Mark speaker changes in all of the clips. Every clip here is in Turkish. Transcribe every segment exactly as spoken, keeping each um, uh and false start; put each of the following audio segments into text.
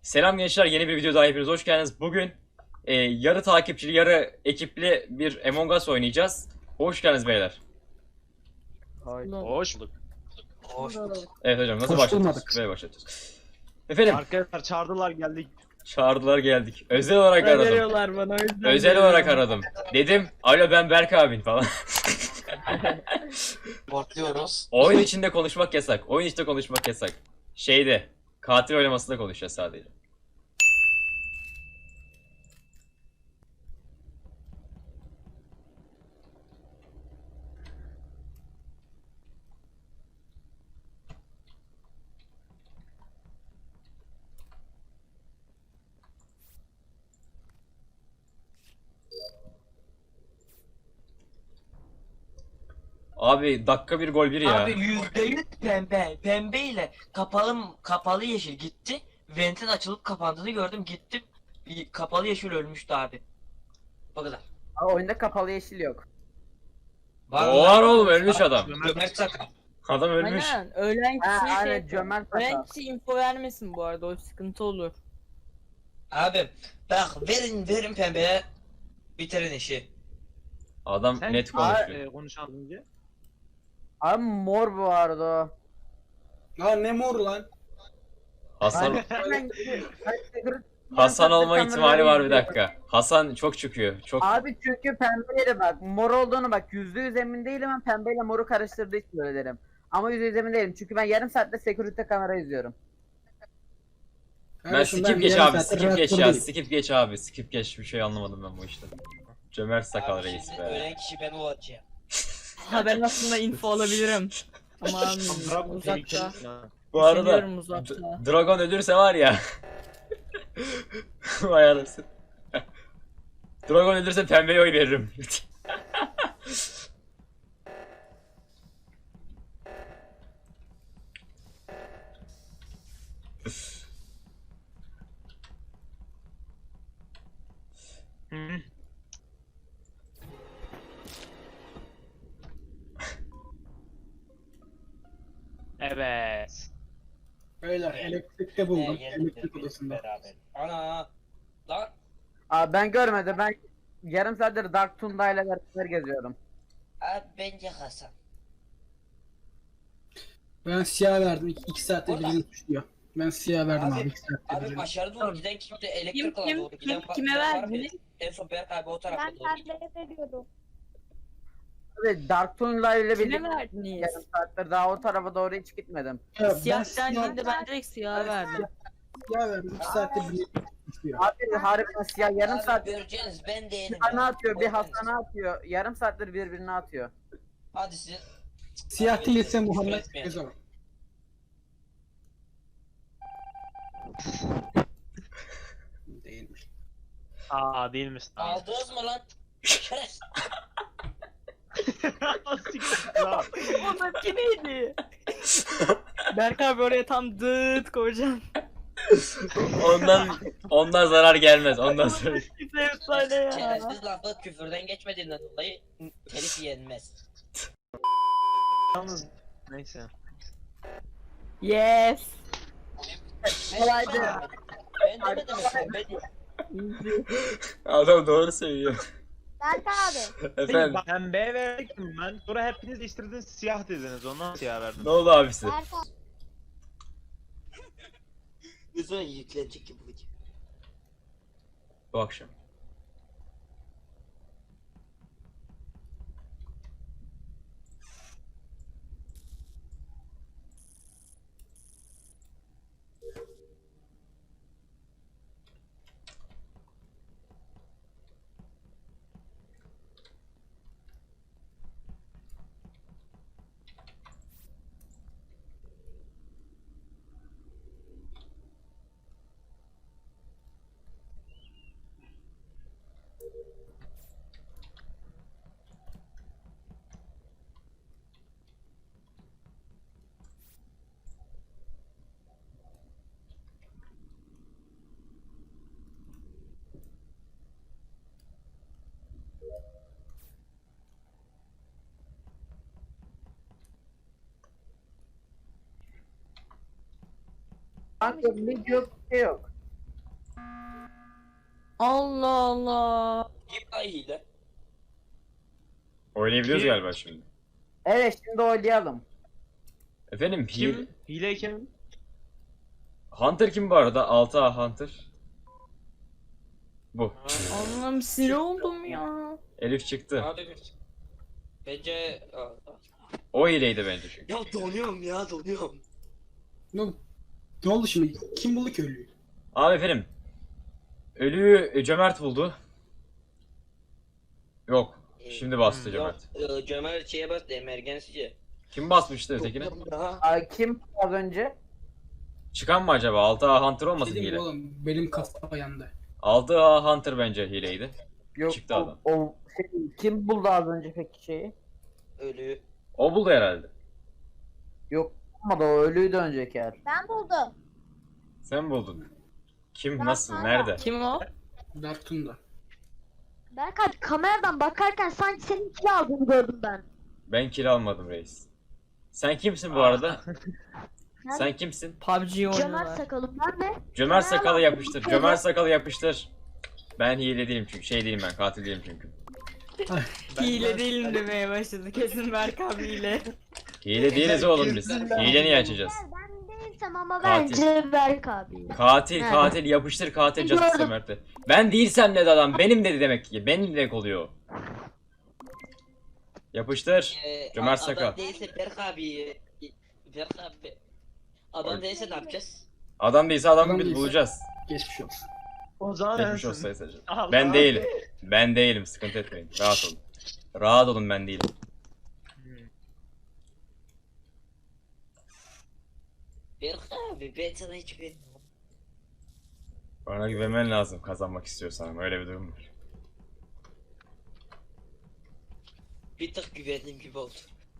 Speaker 1: Selam gençler, yeni bir video daha hepiniz hoş geldiniz. Bugün e, yarı takipçili, yarı ekipli bir Among Us oynayacağız. Hoş geldiniz beyler.
Speaker 2: Ay.
Speaker 3: Hoş bulduk.
Speaker 2: Hoş bulduk.
Speaker 1: Evet hocam, nasıl
Speaker 4: Hoş
Speaker 1: başlatıyoruz?
Speaker 4: bulmadık.
Speaker 1: Böyle başlatıyoruz. Efendim,
Speaker 3: Arkadaşlar çağırdılar geldik.
Speaker 1: çağırdılar geldik. Özel olarak
Speaker 2: Para
Speaker 1: aradım.
Speaker 2: veriyorlar bana o yüzden.
Speaker 1: Özel
Speaker 2: veriyorum.
Speaker 1: olarak aradım. Dedim, alo ben Berk abin falan.
Speaker 5: Bortluyoruz.
Speaker 1: Oyun içinde konuşmak yasak. Oyun içinde konuşmak yasak. Şeyde, katil oylamasında konuşacağız sadece. Abi dakika bir gol bir ya.
Speaker 5: Abi yüzde yüz pembe. Pembe ile kapalı kapalı yeşil gitti. Ventin açılıp kapandığını gördüm. Gittim. y- Kapalı yeşil ölmüştü abi. O kadar.
Speaker 2: Aa, oyunda kapalı yeşil yok.
Speaker 1: O var oğlum, ölmüş adam.
Speaker 5: Ömer Çakır.
Speaker 1: Adam ölmüş.
Speaker 6: Aynen. Ölen
Speaker 2: Ha,
Speaker 6: kişi
Speaker 2: aynen
Speaker 6: şey,
Speaker 2: cömert
Speaker 6: ölen
Speaker 2: hata.
Speaker 6: kişi info vermesin bu arada, o sıkıntı olur.
Speaker 5: Abi bak verin verin pembeye. Bitirin işi.
Speaker 1: Adam
Speaker 3: Sen
Speaker 1: net
Speaker 3: e,
Speaker 1: konuşuyor.
Speaker 3: konuş az önce.
Speaker 2: Abi mor bu arada o.
Speaker 4: Lan ne mor lan?
Speaker 1: Hasan
Speaker 2: Hemen gidiyor. Ay, sigara-
Speaker 1: Hasan olma
Speaker 2: Kameraları
Speaker 1: ihtimali var bir
Speaker 2: izliyor.
Speaker 1: dakika. Hasan çok çıkıyor. Çok
Speaker 2: Abi çünkü pembeyle bak mor olduğunu bak yüzde yüz emin değilim, ben pembeyle moru karıştırdığı için öyle derim. Ama yüzde yüz emin değilim çünkü ben yarım saatte security kamera izliyorum.
Speaker 1: ben
Speaker 4: Kardeşim,
Speaker 1: skip geç
Speaker 4: yarım
Speaker 1: abi,
Speaker 4: saattir
Speaker 1: skip geç ya,
Speaker 4: reaktördeyim.
Speaker 1: skip geç abi, skip geç, bir şey anlamadım ben bu işte. Cömert sakal reis be.
Speaker 5: Ölen kişi ben olacağım.
Speaker 6: Ha, ben aslında info alabilirim. Ama
Speaker 3: Bırak
Speaker 6: almıyorum.
Speaker 3: bu
Speaker 6: Uzakta.
Speaker 3: tehlikeli.
Speaker 1: Bu arada
Speaker 6: Düşünüyorum uzakta.
Speaker 1: D- Dragon ölürse var ya. Vay anasını. Dragon ölürse pembeye oy veririm.
Speaker 3: Hı. Evet.
Speaker 4: Beyler elektrikte buldum. Elektrik odasında.
Speaker 5: Beraber. Ana. Lan.
Speaker 2: Abi ben görmedim, ben yarım saattir Dark Tunda ile beraber geziyorum.
Speaker 5: Abi bence Hasan.
Speaker 4: Ben siyah verdim. İki, iki saatte
Speaker 5: Orada.
Speaker 4: birini suçluyor. Ben siyah verdim
Speaker 5: Abi-
Speaker 4: abi. iki saatte
Speaker 5: Abi
Speaker 4: birini.
Speaker 5: aşağı doğru giden kimse elektrik
Speaker 6: Kim
Speaker 5: alana
Speaker 6: kim
Speaker 5: doğru giden
Speaker 6: kim
Speaker 5: var-
Speaker 6: kime
Speaker 5: var mı?
Speaker 6: verdiniz?
Speaker 5: En son Berk abi o tarafa
Speaker 7: Ben
Speaker 5: doğru gidiyor.
Speaker 7: pembeye veriyordum.
Speaker 2: Abi Dark Tunda ile
Speaker 6: Kime
Speaker 2: birlikte
Speaker 6: verdiniz?
Speaker 2: yarım saattir daha o tarafa doğru hiç gitmedim.
Speaker 4: Ya, ben
Speaker 6: Siyah
Speaker 4: siyah,
Speaker 6: dendiğinde ben direkt siyah verdim.
Speaker 4: siyah verdim. İki saatte birini suçluyor.
Speaker 2: Abi harbiden siyah yarım
Speaker 5: Abi
Speaker 2: saat
Speaker 5: göreceğiniz ben değilim.
Speaker 2: bir bana
Speaker 5: ya.
Speaker 2: atıyor, bir
Speaker 5: Korkmayın.
Speaker 2: Hasan'a atıyor. Yarım saattir birbirine atıyor.
Speaker 5: Hadi siz.
Speaker 4: Siyah
Speaker 5: Abi,
Speaker 4: değilse
Speaker 5: küfür
Speaker 4: Muhammed
Speaker 5: etmeyin.
Speaker 4: Gezo. Değilmiş.
Speaker 3: Aa değilmiş.
Speaker 5: Aldınız mı lan? Şerefsiz.
Speaker 6: O da neydi? Berk abi oraya tam dıt koyacağım.
Speaker 1: Ondan ondan zarar gelmez. Ondan sonra.
Speaker 6: Efsane ya.
Speaker 5: Şerefsiz lafı küfürden geçmediğinden dolayı telif yenmez.
Speaker 3: Yalnız neyse.
Speaker 6: Yes.
Speaker 2: Kolaydı.
Speaker 5: Ben demedim efendim. Ben
Speaker 1: Adam doğru söylüyor.
Speaker 7: Berk abi.
Speaker 1: Efendim,
Speaker 3: Pembeye verdik mi ben? Sonra hepiniz değiştirdiniz siyah dediniz. Ondan siyah verdim.
Speaker 1: ne oldu abisi?
Speaker 7: Berk abi.
Speaker 5: Yüzüne yüklenecek gibi bu video.
Speaker 1: Bu akşam.
Speaker 2: Kanka bir yok, bir şey yok.
Speaker 6: Allah Allah.
Speaker 5: Kim ay hile?
Speaker 1: Oynayabiliyoruz
Speaker 3: Kim?
Speaker 1: galiba şimdi.
Speaker 2: Evet şimdi oynayalım.
Speaker 1: Efendim
Speaker 3: Kim?
Speaker 1: Hile...
Speaker 3: Hile kim?
Speaker 1: Hunter kim bu arada? altı A Hunter. Bu.
Speaker 6: Allah'ım sinir oldum ya.
Speaker 1: Elif çıktı.
Speaker 5: Hadi bir. Bence... Aa,
Speaker 1: O hileydi bence çünkü.
Speaker 5: ya donuyorum ya donuyorum.
Speaker 4: Ne, ne oldu şimdi? Kim buldu ki ölüyü?
Speaker 1: Abi efendim. Ölüyü e, Cömert buldu. Yok. Şimdi bastı Cömert.
Speaker 5: Yok, e, Cömert şeye bastı emergency'ye.
Speaker 1: Kim basmıştı ötekine?
Speaker 5: Daha.
Speaker 2: Ay, kim az önce?
Speaker 1: Çıkan mı acaba? altı A Hunter olmasın
Speaker 4: Dedim
Speaker 1: hile?
Speaker 4: oğlum benim kafa yandı.
Speaker 1: altı A Hunter bence hileydi.
Speaker 2: Yok
Speaker 1: Çıktı
Speaker 2: o,
Speaker 1: adam.
Speaker 2: o şey, kim buldu az önce peki şeyi?
Speaker 5: Ölü.
Speaker 1: O buldu herhalde.
Speaker 2: Yok ama da o ölüydü önceki yer.
Speaker 7: Ben buldum.
Speaker 1: Sen buldun. Kim?
Speaker 7: Ben
Speaker 1: Nasıl?
Speaker 7: sana-
Speaker 1: Nerede?
Speaker 6: Kim o?
Speaker 4: Dartun
Speaker 7: Berkay kameradan bakarken sanki senin kil aldığını gördüm ben.
Speaker 1: Ben kill almadım reis. Sen kimsin
Speaker 3: Ah.
Speaker 1: bu arada?
Speaker 7: Nerede?
Speaker 1: Sen kimsin?
Speaker 6: P U B G
Speaker 7: Cömert
Speaker 6: oynuyorlar.
Speaker 7: sakalım ben de.
Speaker 1: Cömert sakalı
Speaker 7: Merhaba.
Speaker 1: yapıştır. Cömert sakalı yapıştır. Ben hile değilim çünkü. Şey değilim ben. Katil değilim çünkü.
Speaker 6: Hile değilim demeye başladı. Kesin Berk abi hile.
Speaker 1: Hile değiliz oğlum biz. Hile niye açacağız?
Speaker 7: Ben değilsem ama
Speaker 1: Katil.
Speaker 7: bence Berk abi.
Speaker 1: Katil
Speaker 7: Nerede?
Speaker 1: katil yapıştır katil
Speaker 7: Ben
Speaker 1: Justice
Speaker 7: gördüm.
Speaker 1: Cömert'e. Ben değilsem dedi adam. Benim dedi demek ki. Benim demek oluyor. Yapıştır.
Speaker 5: Ee,
Speaker 1: Cömert
Speaker 5: a-
Speaker 1: Sakal.
Speaker 5: Adam değilse Berk abi. Berk abi. Adam değilse ne yapacağız?
Speaker 1: Adam değilse adamı
Speaker 4: Adam
Speaker 1: biz
Speaker 4: değilse.
Speaker 1: bulacağız.
Speaker 4: geçmiş olsun.
Speaker 3: O zaman
Speaker 1: Geçmiş
Speaker 3: sensin.
Speaker 1: olsun Sayın Savcı.
Speaker 3: Allah.
Speaker 1: Ben değilim. Ben değilim. Sıkıntı etmeyin. Rahat olun. Rahat olun ben değilim.
Speaker 5: Berk abi ben sana hiç güvenmiyorum.
Speaker 1: Bana güvenmen lazım kazanmak istiyorsan ama öyle bir durum var.
Speaker 5: Bir tık güvendiğim gibi oldu.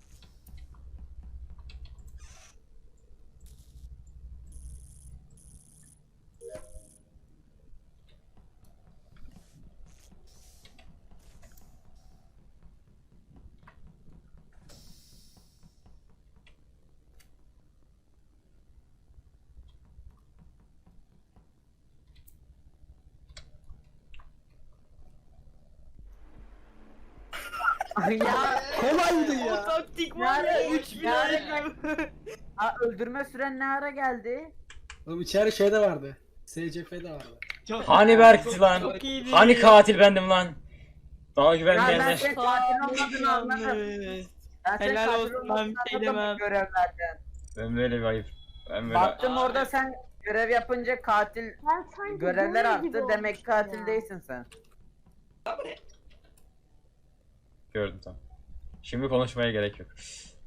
Speaker 2: ya
Speaker 4: Kolaydı
Speaker 6: O
Speaker 4: ya.
Speaker 6: taktik var ya
Speaker 2: Yani-
Speaker 6: üç bin
Speaker 2: yani- Aa, öldürme süren ne ara geldi?
Speaker 4: Oğlum içeri şey de vardı. S C F de vardı.
Speaker 1: Hani Berk'ti lan?
Speaker 6: Çok iyiydi.
Speaker 1: Hani katil bendim lan? Bana
Speaker 2: Ya ben
Speaker 1: güvenmeyenler.
Speaker 2: senin katil olmadığını anladım.
Speaker 6: Yanlış.
Speaker 2: Ben senin
Speaker 6: Helal
Speaker 2: katil
Speaker 6: olsun, ben
Speaker 2: olmadığını
Speaker 6: bir şey
Speaker 2: anladım
Speaker 6: demem.
Speaker 2: görevlerden.
Speaker 1: Ben böyle bir ayıp. Ben böyle...
Speaker 2: Baktım
Speaker 5: Aa,
Speaker 2: orada
Speaker 5: evet.
Speaker 2: sen görev yapınca katil
Speaker 7: Ben sanki
Speaker 2: görevler
Speaker 7: böyle gibi
Speaker 2: arttı demek
Speaker 7: olmuştum
Speaker 2: katil
Speaker 7: ya.
Speaker 2: değilsin sen.
Speaker 5: Abi
Speaker 1: Gördüm tamam. Şimdi konuşmaya gerek yok.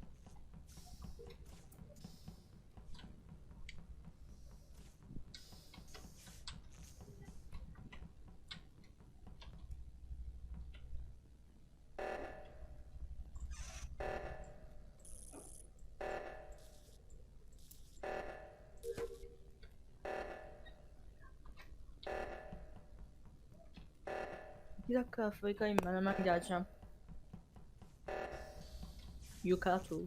Speaker 6: Bir dakika Afrika'yım ben hemen geleceğim. Yukatu.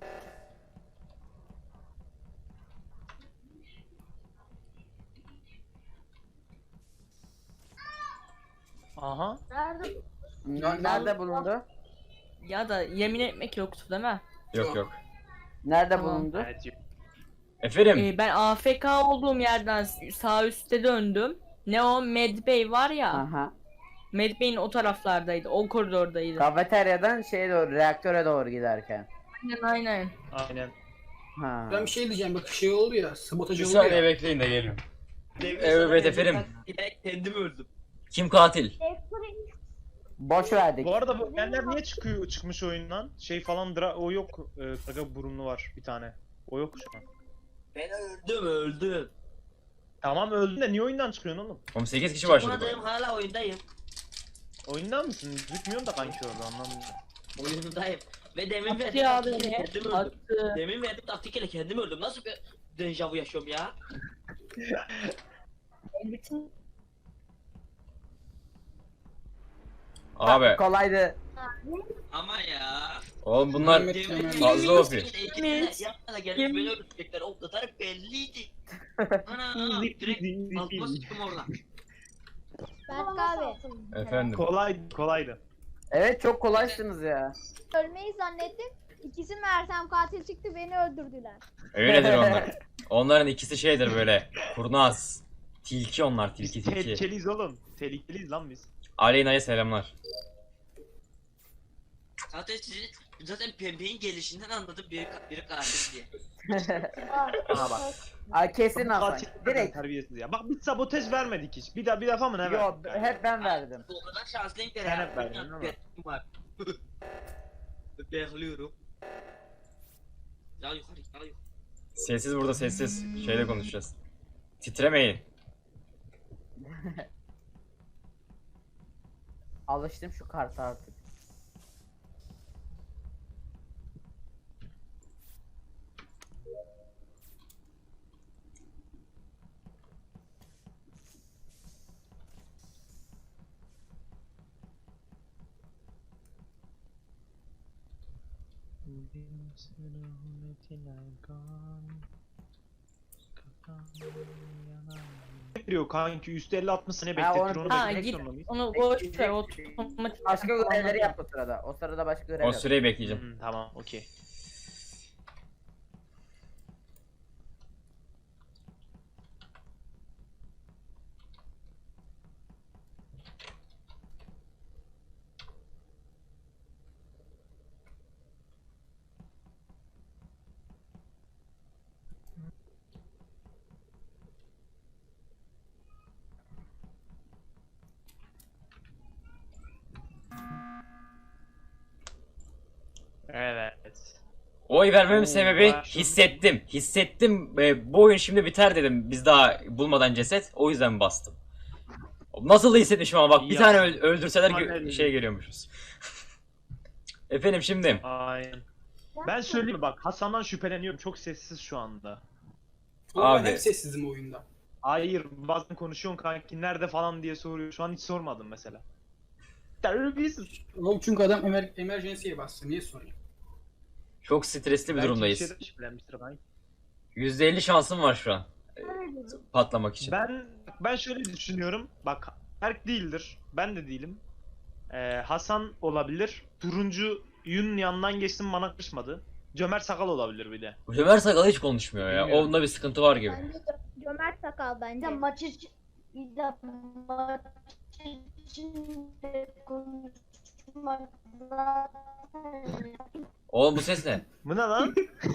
Speaker 3: Aha.
Speaker 7: Nerede?
Speaker 2: N- Nerede bulundu?
Speaker 6: Ya da yemin etmek yoktu değil mi?
Speaker 1: Yok yok.
Speaker 2: Nerede
Speaker 6: Tamam.
Speaker 2: bulundu?
Speaker 3: Evet. yok.
Speaker 1: Efendim.
Speaker 6: Ee, ben A F K olduğum yerden sağ üstte döndüm. Ne o Medbay var ya.
Speaker 2: Aha.
Speaker 6: Medbay'in o taraflardaydı. O koridordaydı.
Speaker 2: Kafeteryadan şeye doğru, reaktöre doğru giderken.
Speaker 6: Aynen aynen.
Speaker 3: Aynen.
Speaker 2: Ha.
Speaker 4: Ben bir şey diyeceğim bak şey oldu ya. Sabotaj
Speaker 1: Bir
Speaker 4: oldu
Speaker 1: saniye
Speaker 4: ya.
Speaker 1: bekleyin de geliyorum.
Speaker 5: demin
Speaker 1: Evet,
Speaker 5: sana
Speaker 1: efendim.
Speaker 5: direkt kendim öldüm.
Speaker 1: Kim katil?
Speaker 2: Boş verdik.
Speaker 3: Bu arada bu benler niye çıkıyor çıkmış oyundan? Şey falan dra o yok. E, Kaga burunlu var bir tane. O yok şu an.
Speaker 5: Ben öldüm öldüm.
Speaker 3: Tamam öldün de niye oyundan çıkıyorsun oğlum?
Speaker 1: Oğlum sekiz kişi başladı. bu
Speaker 5: Çıkmadım
Speaker 1: arada.
Speaker 5: hala oyundayım.
Speaker 3: Oyundan mısın? Gözükmüyorum da kanki orada anlamadım.
Speaker 5: Oyundayım. Ve demin
Speaker 6: Attı
Speaker 5: verdim
Speaker 6: ya
Speaker 5: taktiğiyle
Speaker 6: beni.
Speaker 5: kendim öldüm.
Speaker 6: Attı.
Speaker 5: Demin verdim taktiğiyle kendim öldüm. Nasıl bir dejavu yaşıyorum ya?
Speaker 6: Bütün
Speaker 1: Abi.
Speaker 2: Kolaydı.
Speaker 5: Ama ya.
Speaker 1: Oğlum bunlar
Speaker 4: Mehmet
Speaker 5: Demin
Speaker 4: Kemal.
Speaker 1: fazla O P.
Speaker 5: ekibine yapmana gelip
Speaker 6: Kim?
Speaker 5: beni öldürecekler. O kadar belliydi. Ana direkt altıma sıçtım orada.
Speaker 8: Berk abi.
Speaker 1: Efendim.
Speaker 3: Kolay, kolaydı.
Speaker 2: Evet çok kolaysınız ya.
Speaker 8: Ölmeyi zannettim. İkisi Mersem katil çıktı beni öldürdüler.
Speaker 1: Öyledir onlar. Onların ikisi şeydir böyle. Kurnaz. Tilki onlar,
Speaker 3: Biz
Speaker 1: tilki tilki.
Speaker 3: tehlikeliyiz oğlum. Tehlikeliyiz lan biz.
Speaker 1: Aleyna'ya selamlar.
Speaker 5: Zaten sizin zaten pembenin gelişinden anladım biri, biri katil diye.
Speaker 3: Aha bak.
Speaker 2: Ay kesin
Speaker 3: Bu
Speaker 2: Hasan.
Speaker 3: katil
Speaker 2: Direkt.
Speaker 3: terbiyesiz ya. Bak biz sabotaj vermedik hiç. Bir daha bir defa mı ne
Speaker 2: Yo
Speaker 3: verdik?
Speaker 2: hep ben verdim.
Speaker 5: O kadar şanslıyım ki.
Speaker 3: Sen hep verdin, değil mi?
Speaker 5: Bekliyorum var. Bekliyorum. Ya yukarı ya yukarı.
Speaker 1: Sessiz burada sessiz. Şeyle konuşacağız. Titremeyin.
Speaker 2: Alıştım şu karta artık.
Speaker 3: Veriyor kanki üstü elli altmış saniye
Speaker 2: Ha,
Speaker 3: bekletir
Speaker 2: onu-
Speaker 3: onu
Speaker 6: Ha,
Speaker 3: beklemek
Speaker 6: git.
Speaker 3: zorunda mıyız?
Speaker 6: Onu boş ver. Otomatik.
Speaker 2: Başka görevleri yap o sırada. O sırada başka görev
Speaker 1: O
Speaker 2: yap.
Speaker 1: süreyi bekleyeceğim.
Speaker 3: Hmm, tamam okey. Evet.
Speaker 1: Oy vermemin
Speaker 3: Oo,
Speaker 1: sebebi
Speaker 3: başladı.
Speaker 1: hissettim. Hissettim. E, bu oyun şimdi biter dedim. Biz daha bulmadan ceset. O yüzden bastım. Nasıl da hissetmişim ama bak bir
Speaker 3: Ya.
Speaker 1: tane öl- öldürseler
Speaker 3: Aynen
Speaker 1: gö-
Speaker 3: öyle.
Speaker 1: şey geliyormuşuz. Efendim şimdi.
Speaker 3: Aynen. Ben söyleyeyim mi bak Hasan'dan şüpheleniyorum. Çok sessiz şu anda.
Speaker 4: Ama
Speaker 1: Abi.
Speaker 4: ben hep sessizim oyunda.
Speaker 3: Hayır bazen konuşuyorsun kanki nerede falan diye soruyor. Şu an hiç sormadım mesela. Terbiyesiz.
Speaker 4: Oğlum çünkü adam emer emergency'ye bastı. Niye sorayım?
Speaker 1: Çok stresli bir
Speaker 3: Belki
Speaker 1: durumdayız.
Speaker 3: bir şeyden şüphelenmiştir kanki.
Speaker 1: yüzde elli şansım var şu an. e, Patlamak için.
Speaker 3: Ben ben şöyle düşünüyorum. Bak Berk değildir. Ben de değilim. Ee, Hasan olabilir. Turuncuyun yanından geçtim bana kışmadı. Cömert Sakal olabilir bir de.
Speaker 1: Ömer Sakal hiç konuşmuyor ya.
Speaker 3: Bilmiyorum.
Speaker 1: Onda bir sıkıntı var gibi.
Speaker 8: Bence Cö- Cömert Sakal bence.
Speaker 7: Ya maç için ya maç için de konuşmak zaten.
Speaker 1: Oğlum bu ses ne?
Speaker 3: Bu ne lan?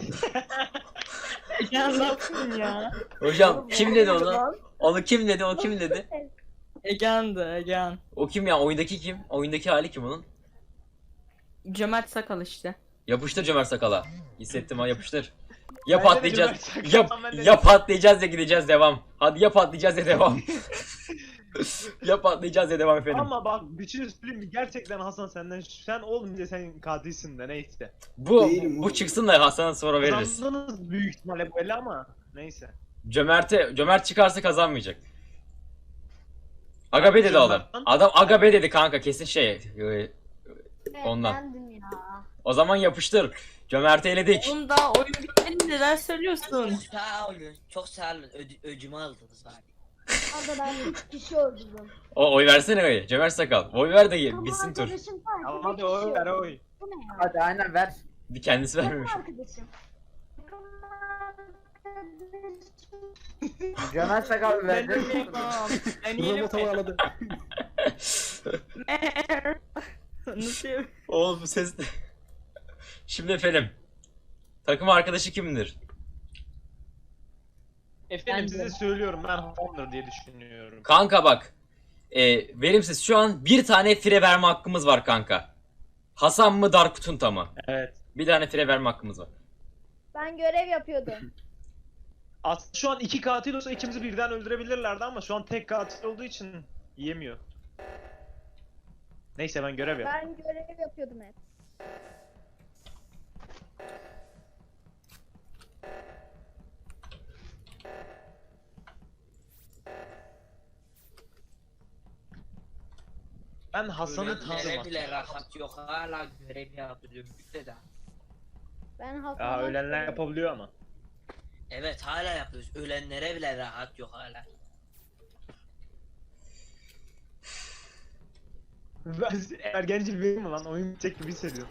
Speaker 6: Ya ne yapayım ya?
Speaker 1: Hocam kim dedi onu? Onu kim dedi? O kim dedi?
Speaker 6: Egehan'dı Egehan.
Speaker 1: O kim ya? Oyundaki kim? Oyundaki hali kim onun?
Speaker 6: Cömert sakal işte.
Speaker 1: Yapıştır Cömer Sakal'a. Hissettim ha yapıştır. Ya
Speaker 3: Bence de
Speaker 1: patlayacağız.
Speaker 3: Cömert
Speaker 1: Ya,
Speaker 3: Sakal, ben de-
Speaker 1: ya patlayacağız ya gideceğiz devam. Hadi ya patlayacağız ya devam. Ya patlayacağız ya devam efendim.
Speaker 3: Ama bak bir şey söyleyeyim mi? Gerçekten Hasan senden sen olmayınca sen katilsin de neyse.
Speaker 1: Bu
Speaker 4: Değilim
Speaker 1: bu
Speaker 4: oğlum.
Speaker 1: çıksın da Hasan'a sonra veririz.
Speaker 3: Kazandınız büyük ihtimalle böyle ama neyse.
Speaker 1: Cömert'e Cömert çıkarsa kazanmayacak. Agabe dedi adam.
Speaker 3: Cömert'ten-
Speaker 1: Adam Agabe dedi kanka kesin şey. e,
Speaker 7: Evet,
Speaker 1: Ondan.
Speaker 7: bendim ya.
Speaker 1: O zaman yapıştır. Cömert'i eledik.
Speaker 6: Oğlum daha oyun bitmedi neler söylüyorsun?
Speaker 5: Sağ olun. Çok sağ olun. Ödü, öcümü aldınız abi.
Speaker 7: Orada ben üç kişi öldürdüm.
Speaker 1: O oy versene oy. Cömert Sakal. Oy ver de
Speaker 7: Tamam,
Speaker 1: bitsin tur.
Speaker 7: arkadaşım var.
Speaker 3: Tamam
Speaker 7: üç
Speaker 3: hadi
Speaker 7: kişi
Speaker 3: oy ver
Speaker 7: öldürdüm.
Speaker 3: oy.
Speaker 7: Bu ne ya?
Speaker 2: Hadi aynen ver.
Speaker 1: Bir kendisi
Speaker 7: Takım
Speaker 1: vermemiş.
Speaker 7: arkadaşım. Takım arkadaşım.
Speaker 2: Cömert Sakal verdi.
Speaker 6: Ben yerim.
Speaker 4: Robot havaladı.
Speaker 6: Nasıl yap-
Speaker 1: Oğlum bu ses ne? Şimdi efendim. Takım arkadaşı kimdir?
Speaker 3: Efendim
Speaker 2: Ben
Speaker 3: size
Speaker 2: de.
Speaker 3: söylüyorum ben Hasan'dır diye düşünüyorum.
Speaker 1: Kanka bak. E, verimsiz şu an bir tane fire verme hakkımız var kanka. Hasan mı Dark Tunta mı?
Speaker 3: Evet.
Speaker 1: Bir tane fire verme hakkımız var.
Speaker 8: Ben görev yapıyordum.
Speaker 3: Aslında şu an iki katil olsa ikimizi birden öldürebilirlerdi ama şu an tek katil olduğu için yiyemiyor. Neyse ben görev yap.
Speaker 8: Ben görev yapıyordum hep.
Speaker 3: Ben Hasan'ı
Speaker 5: Ölenlere
Speaker 3: tanıdım.
Speaker 5: bile rahat yok. Hala görev yapıyorum. Bir de daha.
Speaker 8: Ben Hasan'ı
Speaker 3: Ya ölenler yapabiliyor ama.
Speaker 5: Evet hala yapıyoruz. Ölenlere bile rahat yok hala.
Speaker 3: Ben ergenci bir mi lan? Oyun bitecek gibi hissediyorum.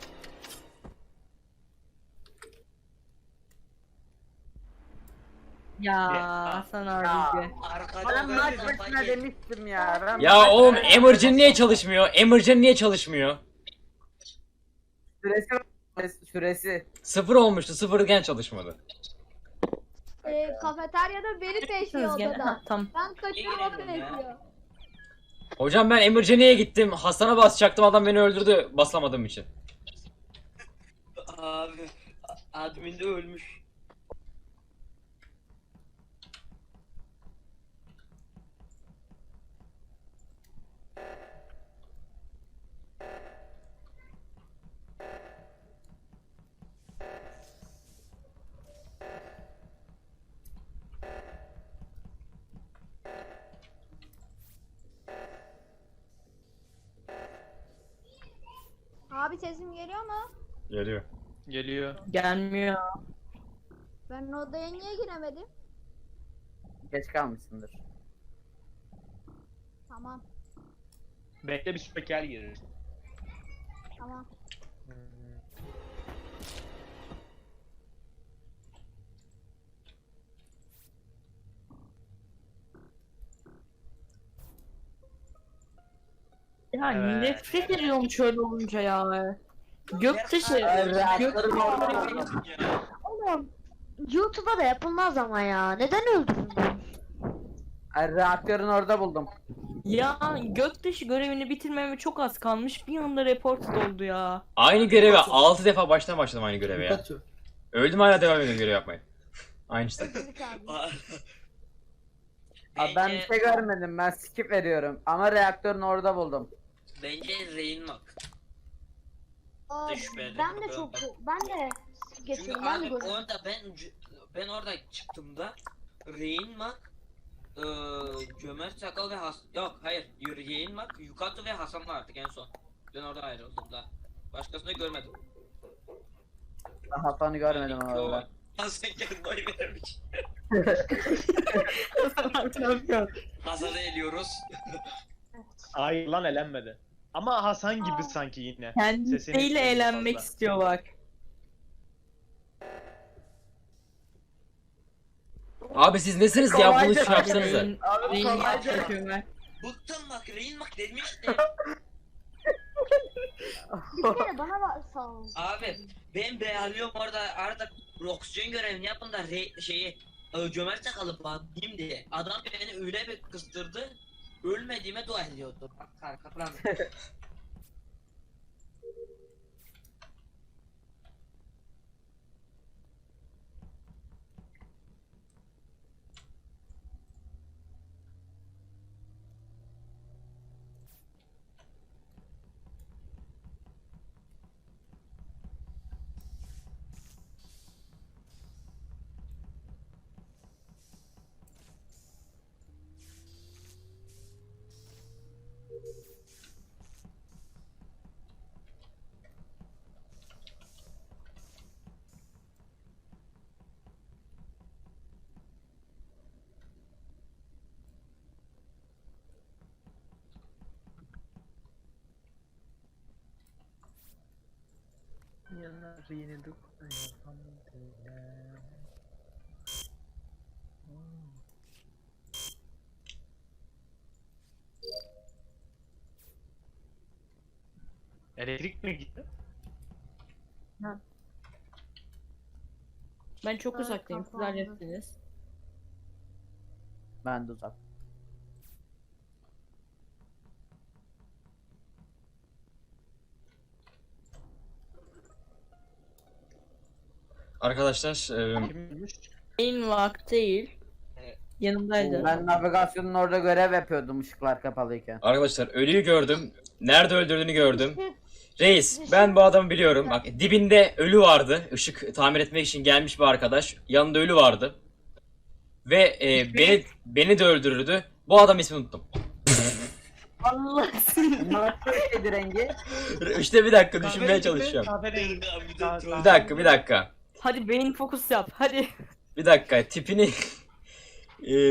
Speaker 6: Ya
Speaker 3: Ya.
Speaker 6: Hasan
Speaker 2: Ya.
Speaker 6: abi.
Speaker 5: Arkada
Speaker 2: Ben
Speaker 5: ben
Speaker 2: maç
Speaker 5: de
Speaker 2: başına
Speaker 5: fark et-
Speaker 2: demiştim ya. Ben
Speaker 1: Ya
Speaker 2: maç
Speaker 1: oğlum
Speaker 2: başına-
Speaker 1: Emergen niye çalışmıyor? Emergen niye çalışmıyor?
Speaker 2: Süresi süresi.
Speaker 1: Sıfır olmuştu. Sıfırken çalışmadı.
Speaker 8: Ee, kafeteryada beni peşliyor
Speaker 6: Gene-
Speaker 8: odada.
Speaker 6: Ha, tamam.
Speaker 8: Ben kaçıyorum o peşliyor.
Speaker 1: Hocam ben Emergen'e gittim. Hasan'a basacaktım. Adam beni öldürdü basamadığım için.
Speaker 5: Abi admin de ölmüş.
Speaker 8: Abi sesim geliyor mu?
Speaker 1: Geliyor.
Speaker 3: Geliyor.
Speaker 6: Gelmiyor.
Speaker 8: Ben odaya niye giremedim?
Speaker 2: Geç kalmışsındır.
Speaker 8: Tamam,
Speaker 3: Bekle bir spiker girer.
Speaker 8: tamam.
Speaker 6: Ya
Speaker 3: Evet.
Speaker 6: nefret ediyorum şöyle olunca ya. Göktaşı.
Speaker 2: Evet.
Speaker 6: Göktaşı.
Speaker 7: Oğlum YouTube'a da yapılmaz ama ya. Neden öldürdün?
Speaker 2: Ay, reaktörün orada buldum.
Speaker 6: Ya Göktaşı görevini bitirmeme çok az kalmış. Bir anda report oldu ya.
Speaker 1: Aynı göreve altı defa baştan başladım aynı göreve ya.
Speaker 4: Pikachu.
Speaker 1: Öldüm hala devam ediyorum görev yapmaya. Aynı işte.
Speaker 8: Çocuk abi.
Speaker 2: Abi ben bir şey görmedim. Ben skip veriyorum. Ama reaktörün orada buldum.
Speaker 5: Bence Reynmak.
Speaker 7: Aa,
Speaker 5: Şüpheli.
Speaker 7: ben de çok ben de
Speaker 5: Çünkü
Speaker 7: geçiyorum. Ben de
Speaker 5: abi
Speaker 7: gördüm.
Speaker 5: orada ben ben orada çıktığımda Reynmak, eee Cömert Sakal ve Has yok hayır Reynmak, Yukato ve Hasan vardı en son. Ben orada ayrıldım da. Başkasını görmedim.
Speaker 2: Ben Hasan'ı görmedim
Speaker 5: Yani,
Speaker 2: orada.
Speaker 5: Hasan kendine oy vermiş. Hasan'ı eliyoruz.
Speaker 3: Hayır lan elenmedi. Ama Hasan gibi sanki yine.
Speaker 6: Kendisiyle
Speaker 3: Sesini
Speaker 6: eğlenmek
Speaker 3: fazla.
Speaker 6: istiyor bak.
Speaker 1: Abi siz nesiniz ya? Bunu
Speaker 2: Kolayca-
Speaker 1: şey yapsanıza.
Speaker 6: Reyn-
Speaker 2: Abi
Speaker 6: Reyn
Speaker 2: kolayca-
Speaker 6: yapıyor ben.
Speaker 5: Bıktım bak Reynmak demiştim.
Speaker 7: Bir kere bana bak sağ ol.
Speaker 5: Abi ben beğeniyorum orada arada oksijen görevini yapın da re, şeyi e, Cömert Sakal'ı batayım diye. Adam beni öyle bir kıstırdı. Ölmediğime dua ediyordu. Bak arka plan.
Speaker 3: Elektrik mi gitti?
Speaker 6: Ben çok
Speaker 7: Evet,
Speaker 6: uzaktayım. Siz
Speaker 7: kapandı.
Speaker 6: hallettiniz.
Speaker 2: Ben de uzak.
Speaker 1: Arkadaşlar e,
Speaker 3: Kimmiş?
Speaker 6: En vakti değil.
Speaker 5: Evet.
Speaker 6: Yanımdaydı.
Speaker 2: Ben navigasyonun orada görev yapıyordum ışıklar kapalıyken.
Speaker 1: arkadaşlar ölüyü gördüm. Nerede öldürdüğünü gördüm. Reis ben bu adamı biliyorum. Bak dibinde ölü vardı. Işık tamir etmek için gelmiş bir arkadaş. Yanında ölü vardı. Ve e, beni beni de öldürürdü. Bu adam ismini unuttum.
Speaker 6: Allah seni.
Speaker 2: Nasıl rengi?
Speaker 1: İşte bir dakika düşünmeye çalışıyorum.
Speaker 3: Kahverengi.
Speaker 5: Bir
Speaker 3: Tamam,
Speaker 5: de
Speaker 3: tamam.
Speaker 1: Bir dakika bir dakika.
Speaker 6: Hadi beyin fokus yap. Hadi.
Speaker 1: Bir dakika tipini e,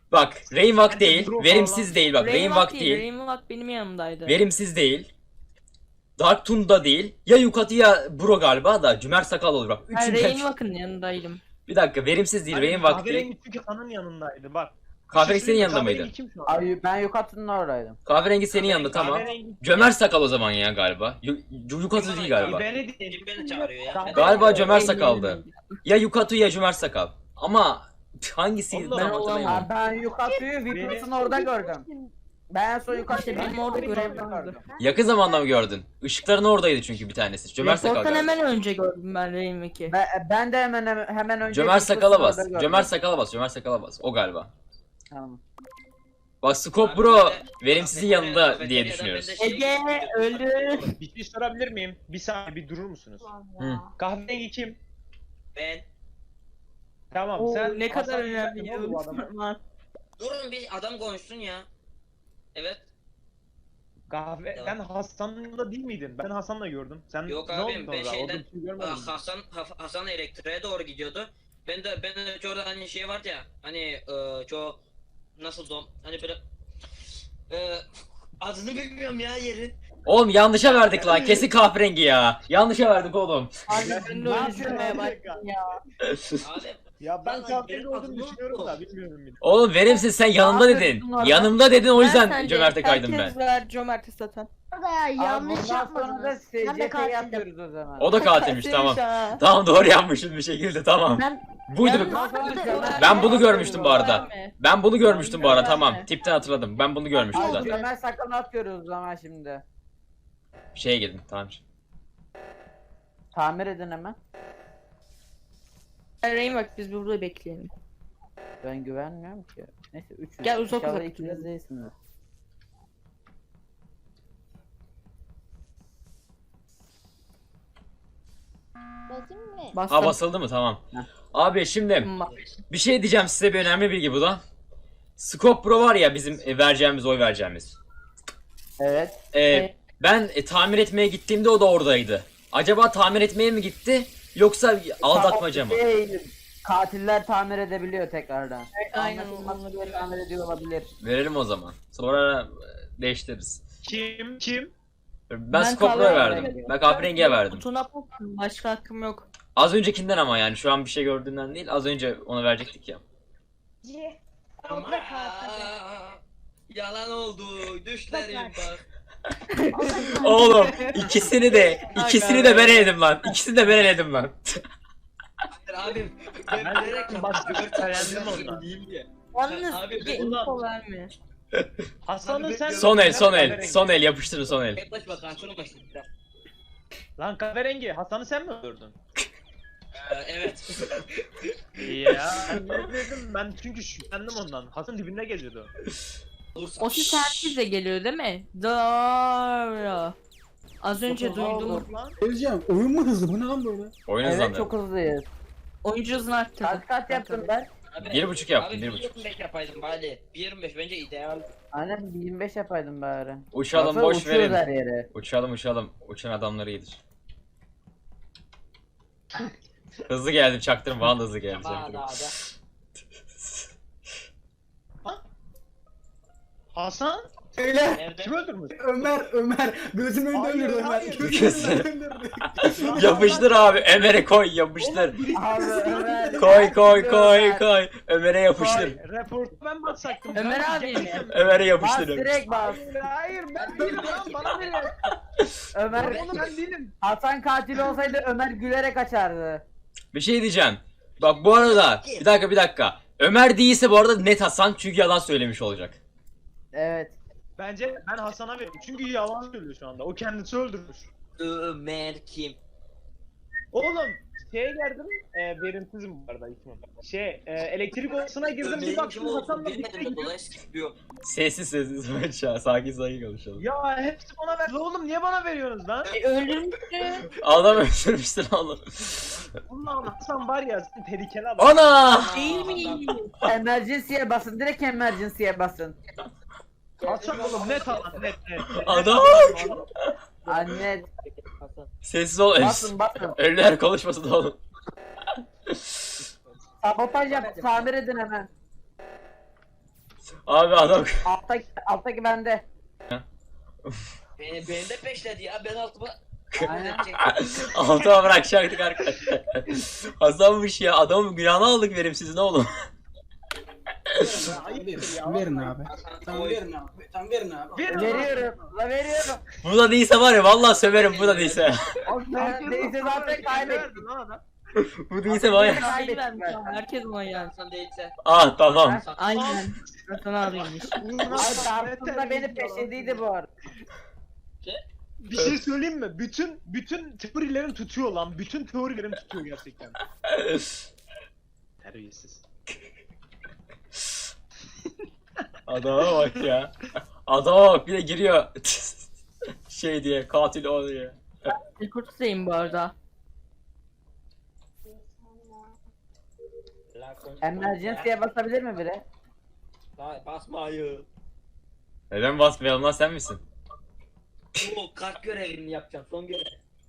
Speaker 1: Bak Rainwalk
Speaker 3: Bence
Speaker 1: değil,
Speaker 3: Bro
Speaker 1: verimsiz
Speaker 3: falan.
Speaker 1: değil bak Rainwalk değil,
Speaker 6: Rainwalk benim yanımdaydı.
Speaker 1: verimsiz değil. Dark Toon da değil. Ya Yukatı ya Bro galiba da Cümer Sakal olur bak.
Speaker 6: Ben
Speaker 1: Üçünden.
Speaker 6: Rainwalk'ın yanındaydım.
Speaker 1: Bir dakika verimsiz değil,
Speaker 3: Hani
Speaker 1: Rainwalk değil.
Speaker 3: Kahverengi çünkü Hasan'ın yanındaydı bak.
Speaker 1: Kahverengi
Speaker 3: Bir şey
Speaker 1: senin yanında
Speaker 3: söyleyeyim mi?
Speaker 1: mıydı?
Speaker 3: Kahverengi kim şu an?
Speaker 2: Ay ben Yukatı'nın oradaydım.
Speaker 1: Kahverengi senin yanında tamam.
Speaker 3: Kahverengi-
Speaker 1: Cömert Sakal o zaman ya galiba. Yu- Yu- Yukatı değil galiba.
Speaker 3: İbeni değil.
Speaker 5: Kim beni çağırıyor ya?
Speaker 3: Kahverengi-
Speaker 1: Galiba Cömert Sakal'dı. Ya Yukatı ya Cömert Sakal. Ama hangisiydi
Speaker 3: Allah
Speaker 1: tam
Speaker 3: Allah.
Speaker 1: hatırlayamadım.
Speaker 2: Ha, ben Yukatı'yı Vipers'ın orada gördüm. Ben en son Yukatı'yı
Speaker 6: İşte benim orada görevim vardı.
Speaker 2: gördüm.
Speaker 1: Yakın zamanda mı gördün? Işıkların oradaydı çünkü bir tanesi. Cömert Sakal
Speaker 6: Report'tan
Speaker 1: galiba.
Speaker 6: hemen önce gördüm ben Rainwalk'i.
Speaker 2: Ben, ben de hemen hemen önce
Speaker 1: Cömert
Speaker 2: Vipers'ın
Speaker 1: Sakal'a bas.
Speaker 2: orada gördüm.
Speaker 1: Cömert Sakal'a bas. Cömert Sakal'a bas. O galiba.
Speaker 2: Tamam.
Speaker 1: Bak Scope
Speaker 5: Abi
Speaker 1: Bro
Speaker 5: ben de-
Speaker 1: verimsizin
Speaker 5: kafeterya-
Speaker 1: yanında diye
Speaker 5: kafeteryadan
Speaker 1: düşünüyoruz.
Speaker 5: ben de şey-
Speaker 6: Ege öldü.
Speaker 3: Bir şey sorabilir miyim? Bir saniye bir durur musunuz?
Speaker 1: Hı.
Speaker 3: Kahverengi kim?
Speaker 5: Ben.
Speaker 3: Tamam
Speaker 6: Oo,
Speaker 3: sen
Speaker 6: ne kadar
Speaker 3: Hasan
Speaker 6: önemli
Speaker 3: Yücel'in oğlu bu adamı.
Speaker 6: ya.
Speaker 5: Durun bir adam konuşsun ya. Evet.
Speaker 3: Kahve
Speaker 5: Devam.
Speaker 3: sen Hasan'la değil miydin? Ben Hasan'la gördüm. Sen
Speaker 5: Yok
Speaker 3: ne
Speaker 5: abim,
Speaker 3: oldu
Speaker 5: ben
Speaker 3: orada?
Speaker 5: şeyden-
Speaker 3: Orada bir şey görmedim.
Speaker 5: Ah, Hasan Ha- Hasan elektriğe doğru gidiyordu. Ben de ben de orada hani şey vardı ya. Hani e, çoğu nasıl dom hani böyle e, adını bilmiyorum ya yerin.
Speaker 1: Oğlum yanlışa verdik lan. Kesin kahverengi ya. Yanlışa verdik oğlum.
Speaker 6: Abi ben de
Speaker 3: Ne
Speaker 6: öyle
Speaker 3: yapıyorsun
Speaker 6: düşünmeye
Speaker 3: abi?
Speaker 6: başladım ya.
Speaker 5: Abi
Speaker 3: Ya ben
Speaker 5: Lan
Speaker 3: kahverengi
Speaker 5: benim
Speaker 3: olduğunu
Speaker 5: aklım
Speaker 3: düşünüyorum
Speaker 5: yok.
Speaker 3: da bilmiyorum bile.
Speaker 1: Oğlum verimsiz sen yanımda
Speaker 2: Ne
Speaker 1: dedin.
Speaker 2: yapıyorsun orada?
Speaker 1: Yanımda dedin o
Speaker 6: Ben
Speaker 1: yüzden
Speaker 6: sence-
Speaker 1: Cömert'e kaydım ben.
Speaker 6: Herkes ver Cömert'e satan.
Speaker 7: Orada ya yanlış
Speaker 2: Abi bundan sonra da
Speaker 7: yapmadınız. Ben de
Speaker 2: S C T'yi
Speaker 7: katildim.
Speaker 2: yapıyoruz o zaman.
Speaker 1: O da katilmiş tamam.
Speaker 6: Ha.
Speaker 1: Tamam doğru yapmışım bir şekilde tamam.
Speaker 6: Ben
Speaker 1: Buydu.
Speaker 6: Yalnız-
Speaker 2: Bundan sonra Cömert-
Speaker 1: Ben bunu görmüştüm bu arada.
Speaker 6: Verme.
Speaker 1: Ben bunu görmüştüm bu arada
Speaker 6: Verme.
Speaker 1: tamam. Tipten hatırladım. Ben bunu görmüştüm
Speaker 2: Abi
Speaker 1: zaten.
Speaker 2: Cömert Sakal'ı atıyoruz o zaman şimdi.
Speaker 1: Şeye girdim tamam.
Speaker 2: Tamir edin hemen.
Speaker 6: Rainwalk biz burada bekleyelim.
Speaker 2: Ben güvenmiyorum ki. Neyse üçüz.
Speaker 6: Gel, uzak
Speaker 2: İnşallah
Speaker 6: uzak
Speaker 2: ikiniz
Speaker 6: gidelim.
Speaker 2: değilsiniz.
Speaker 8: Basayım mı?
Speaker 6: Bastım.
Speaker 1: Ha basıldı mı tamam. Abi şimdi bir şey diyeceğim size bir önemli bilgi bu da. Scope Pro var ya bizim e, vereceğimiz oy vereceğimiz.
Speaker 2: Evet.
Speaker 1: Ee,
Speaker 6: Evet.
Speaker 1: ben e, tamir etmeye gittiğimde o da oradaydı. Acaba tamir etmeye mi gitti yoksa aldatmaca mı?
Speaker 2: Şey, katiller tamir edebiliyor tekrardan.
Speaker 6: Aynen
Speaker 2: Anlatılması
Speaker 6: onları
Speaker 2: bile tamir ediyor olabilir.
Speaker 1: Verelim o zaman. Sonra e, değiştiririz.
Speaker 3: Kim? Kim?
Speaker 1: Ben,
Speaker 6: Ben
Speaker 1: Scope Pro'ya
Speaker 6: kahverengiye
Speaker 1: verdim. Ben kahverengiye verdim.
Speaker 6: Kutuna baktım. Başka hakkım yok.
Speaker 1: Az öncekinden ama yani şu an bir şey gördüğünden değil. Az önce ona verecektik ya.
Speaker 8: C.
Speaker 5: ama
Speaker 8: Abla katil.
Speaker 5: yalan oldu. Düşlerim bak.
Speaker 1: Oğlum ikisini de ikisini de ben eledim lan. İkisini de ben eledim lan.
Speaker 5: Hayır abim. Ben
Speaker 3: Ben
Speaker 5: bilerek
Speaker 3: başka bir
Speaker 5: yaptım.
Speaker 3: beğendim ondan.
Speaker 5: Değil ya.
Speaker 6: Yalnız
Speaker 5: Abi,
Speaker 6: Ege
Speaker 5: ben-
Speaker 6: info verme.
Speaker 3: Hasan'ın sen...
Speaker 1: Son el son el
Speaker 3: Kahverengi.
Speaker 1: son el yapıştırın son el.
Speaker 5: Tek başıma karşına başladım.
Speaker 3: Lan kahverengi Hasan'ı sen mi öldürdün?
Speaker 5: Ee, evet.
Speaker 3: Ya ben ne dedim ben çünkü şüphelendim ondan. Hasan dibinde geziyordu.
Speaker 5: Olursa.
Speaker 6: O ses herkese geliyor değil mi? Doğru. Az önce
Speaker 2: Çok hızlı
Speaker 6: duydum.
Speaker 2: oldu.
Speaker 3: Lan
Speaker 4: Öleceğim. Oyun mu hızlı? Bu ne lan böyle?
Speaker 1: Oyun
Speaker 2: Evet
Speaker 1: hızlandı.
Speaker 2: çok hızlıyız.
Speaker 6: Oyuncu hızını arttırdı.
Speaker 2: Kaç kaç yaptım ben?
Speaker 5: Abi,
Speaker 1: Bir buçuk yaptım,
Speaker 5: abi,
Speaker 1: bir buçuk.
Speaker 5: yirmi beş yapaydım bari. bir yirmi beş bence ideal.
Speaker 2: Aynen bir yirmi beş yapaydım bari.
Speaker 1: Uçalım
Speaker 2: Baksana
Speaker 1: boş
Speaker 2: uçuyoruz her
Speaker 1: verin.
Speaker 2: yere.
Speaker 1: Uçalım uçalım. Uçan adamları iyidir. Hızlı geldim çaktırım. Vallahi hızlı geldim
Speaker 5: Daha
Speaker 1: çaktırım.
Speaker 5: daha da.
Speaker 3: Hasan
Speaker 4: Öyle.
Speaker 5: Nerede?
Speaker 3: kim öldürmüş?
Speaker 4: Ömer, Ömer. Gözümün önünde
Speaker 3: Hayır,
Speaker 4: öldürdü Ömer.
Speaker 3: hayır.
Speaker 4: Gözümün önünde öldürdü.
Speaker 1: Yapıştır abi. Ömer'e koy yapıştır.
Speaker 2: Abi Ömer.
Speaker 1: Koy koy koy
Speaker 2: Ömer.
Speaker 1: koy. Ömer'e yapıştır.
Speaker 3: Hayır, reportu ben basacaktım.
Speaker 6: Ömer
Speaker 3: Ben
Speaker 6: abi mi?
Speaker 3: diyecektim.
Speaker 1: Ömer'e
Speaker 2: Bas
Speaker 1: yapıştır.
Speaker 2: direkt bas.
Speaker 3: Hayır ben değilim lan bana verin.
Speaker 2: Ömer
Speaker 3: Oğlum ben değilim.
Speaker 2: Hasan katil olsaydı Ömer gülerek açardı.
Speaker 1: Bir şey diyeceğim. Bak bu arada bir dakika bir dakika. Ömer değilse bu arada net Hasan çünkü yalan söylemiş olacak.
Speaker 2: Evet.
Speaker 3: Bence ben Hasan'a veriyorum. Çünkü yalan söylüyor şu anda. O kendisi öldürmüş.
Speaker 5: Ömer kim?
Speaker 3: Oğlum şeye geldim. E, verimsizim bu arada ismim. Şey e, elektrik odasına girdim bir
Speaker 5: Ömer'in kim
Speaker 3: baktım
Speaker 5: olduğunu
Speaker 3: Hasan'la birlikte
Speaker 5: bilmedim de
Speaker 3: gidiyor.
Speaker 5: dolayısıyla gidiyor.
Speaker 1: Sessiz sessiz aşağı sakin sakin konuşalım.
Speaker 3: Ya hepsi bana verdi. Oğlum niye bana veriyorsunuz lan?
Speaker 6: E, öldürmüştü.
Speaker 1: Adam öldürmüştür oğlum.
Speaker 3: Allah'ım Hasan var ya sen tehlikeli adam.
Speaker 1: Ana!
Speaker 6: Değil mi?
Speaker 2: Emergency'ye basın. Direkt emergency'ye basın.
Speaker 3: Hasan oğlum net alan net net.
Speaker 1: Adam!
Speaker 2: Anne
Speaker 1: Sessiz ol.
Speaker 2: basın basın.
Speaker 1: Ölüler konuşmasın oğlum.
Speaker 2: Sabotaj yap. Tamir edin hemen.
Speaker 1: Abi adam
Speaker 2: Alttaki, alttaki bende.
Speaker 5: Beni, beni de peşledi ya. Ben altıma...
Speaker 2: Aynen.
Speaker 1: altıma bırakacaktık arkadaşlar. Hasanmış ya. Adamın günahını aldık verimsiz ne oğlum.
Speaker 4: Verin, verin abi. Tamam verin abi. Tamam verin abi.
Speaker 3: Verin.
Speaker 2: Veriyorum. La veriyorum.
Speaker 1: Bu da değilse var ya vallahi söverim bu da değilse.
Speaker 2: O ben değilse zaten kaybettik.
Speaker 3: Verdin lan adam.
Speaker 1: Bu değilse var ya.
Speaker 6: Hayır vermiş ama herkes ona geldi.
Speaker 5: Hasan değilse.
Speaker 1: Ah tamam.
Speaker 6: Aynen. Hasan abiymiş.
Speaker 2: Ay Dartun da beni peşindeydi bu arada.
Speaker 3: Bir şey söyleyeyim mi? Bütün bütün teorilerim tutuyor lan. Bütün teorilerim tutuyor gerçekten. Terbiyesiz.
Speaker 1: Adama bak ya. Adama bak bir de giriyor. şey diye katil o diye.
Speaker 6: Rekurt'tayım bu arada.
Speaker 2: Emergency'ye basabilir mi biri?
Speaker 5: Hayır basmayın.
Speaker 1: Neden basmayalım lan sen misin?
Speaker 5: Bu kart görevini yapacağım. Son görev.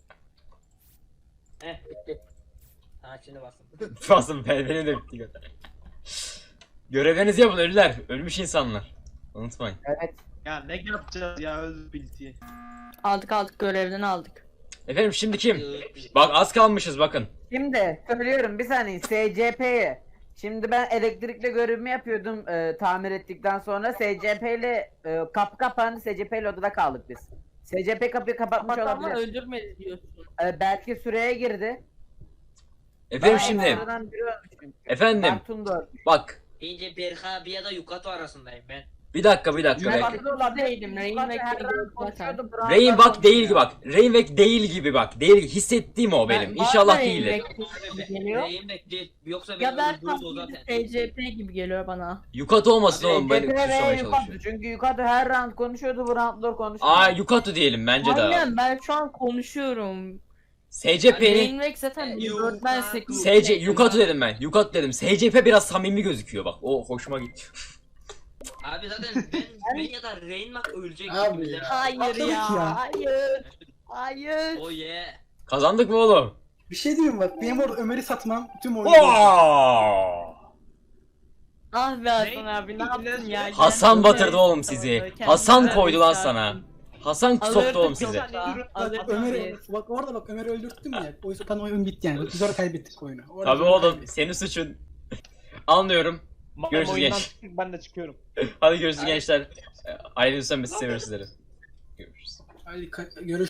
Speaker 5: Heh bitti. Ha şimdi basın.
Speaker 1: Basın ben benim de bitti gönder. Görevlerinizi yapın ölüler. Ölmüş insanlar. Unutmayın.
Speaker 2: Evet.
Speaker 3: Ya ne yapacağız ya öldü bildiği.
Speaker 6: Aldık aldık görevden aldık.
Speaker 1: Efendim şimdi kim? Bak az kalmışız bakın.
Speaker 2: Şimdi söylüyorum bir saniye S C P'ye. Şimdi ben elektrikle görevimi yapıyordum e, tamir ettikten sonra S C P ile e, kapı kapandı, S C P ile odada kaldık biz. S C P kapıyı kapatmış
Speaker 6: Bak ama
Speaker 2: olabilir.
Speaker 6: öldürmedi diyorsun.
Speaker 2: E, belki süreye girdi.
Speaker 1: Efendim
Speaker 2: Ben
Speaker 1: şimdi.
Speaker 2: aradan biri ölmüş çünkü.
Speaker 1: Efendim.
Speaker 2: Dartun da ölmüş.
Speaker 1: Bak.
Speaker 5: İnce Berha abi ya da Yukato arasındayım ben.
Speaker 1: Bir dakika bir dakika
Speaker 2: Ben
Speaker 1: bekle.
Speaker 2: Dartun olabilir.
Speaker 6: Değilim, Rain
Speaker 2: Zaten
Speaker 6: Wake'de
Speaker 2: her an
Speaker 6: gördüm
Speaker 2: konuşuyordu, Brown
Speaker 1: Rain
Speaker 2: da
Speaker 1: bak değil gibi
Speaker 2: konuşuyor.
Speaker 1: bak. Rainwek değil gibi bak. Değil hissettiğim o benim.
Speaker 6: Ben-
Speaker 1: İnşallah
Speaker 6: bana
Speaker 1: değildir.
Speaker 6: Rain Wake gibi geliyor.
Speaker 5: Neyim bekle. Yoksa beni
Speaker 6: Ya da
Speaker 5: öldürür o
Speaker 6: tam
Speaker 5: zaten.
Speaker 6: S C P gibi geliyor bana.
Speaker 1: Yukato olmasın
Speaker 2: S
Speaker 1: oğlum
Speaker 2: C
Speaker 1: beni
Speaker 2: P ve
Speaker 1: kusmaya
Speaker 2: Yukato.
Speaker 1: çalışıyor.
Speaker 2: Çünkü Yukato her round konuşuyordu, Brown konuşuyordu.
Speaker 1: Aa Yukato diyelim bence de.
Speaker 6: Aynen ben şu an konuşuyorum.
Speaker 1: S C P'nin
Speaker 6: Rain Wake zaten
Speaker 5: E,
Speaker 6: bir dört ben
Speaker 5: Yukato.
Speaker 6: sekiz.
Speaker 1: S C Yukato dedim ben. Yukato dedim. S C P biraz samimi gözüküyor bak. O hoşuma gitti.
Speaker 5: Abi zaten ben, ben ya da Rainmak ölecek
Speaker 4: Abi
Speaker 5: gibi bilemem.
Speaker 6: Hayır
Speaker 4: Atladık
Speaker 6: ya.
Speaker 4: ya.
Speaker 6: Hayır. Hayır.
Speaker 5: Oh yeah.
Speaker 1: Kazandık mı oğlum?
Speaker 4: Bir şey diyeyim bak. Benim orada Ömer'i satmam tüm oyunu.
Speaker 1: Oo!
Speaker 6: Ah be Hasan
Speaker 3: Ne?
Speaker 6: abi ne yaptın ya?
Speaker 1: Hasan
Speaker 6: Kendine-
Speaker 1: batırdı oğlum sizi.
Speaker 6: Kendine
Speaker 1: Hasan koydu lan
Speaker 6: yükselttin.
Speaker 1: sana. Hasan
Speaker 6: Alırdık
Speaker 1: soktu oğlum
Speaker 6: yok
Speaker 1: sizi.
Speaker 6: da, alırdık
Speaker 4: Ömer'i
Speaker 6: biz.
Speaker 4: bak orada bak Ömer'i öldürttüm ya. O yüzden oyun bitti yani. Biz orada kaybettik oyunu. Orada
Speaker 1: Tabii
Speaker 4: oyunu
Speaker 1: oğlum
Speaker 4: kaybettik.
Speaker 1: senin suçun. Anlıyorum.
Speaker 3: Madem
Speaker 1: Görüşürüz
Speaker 3: oyundan
Speaker 1: genç.
Speaker 3: çıktık, ben de çıkıyorum.
Speaker 1: Hadi görüşürüz gençler. Ayrılırsan biz seviyoruz sizleri. Görüşürüz.
Speaker 4: Hadi ka- görüş.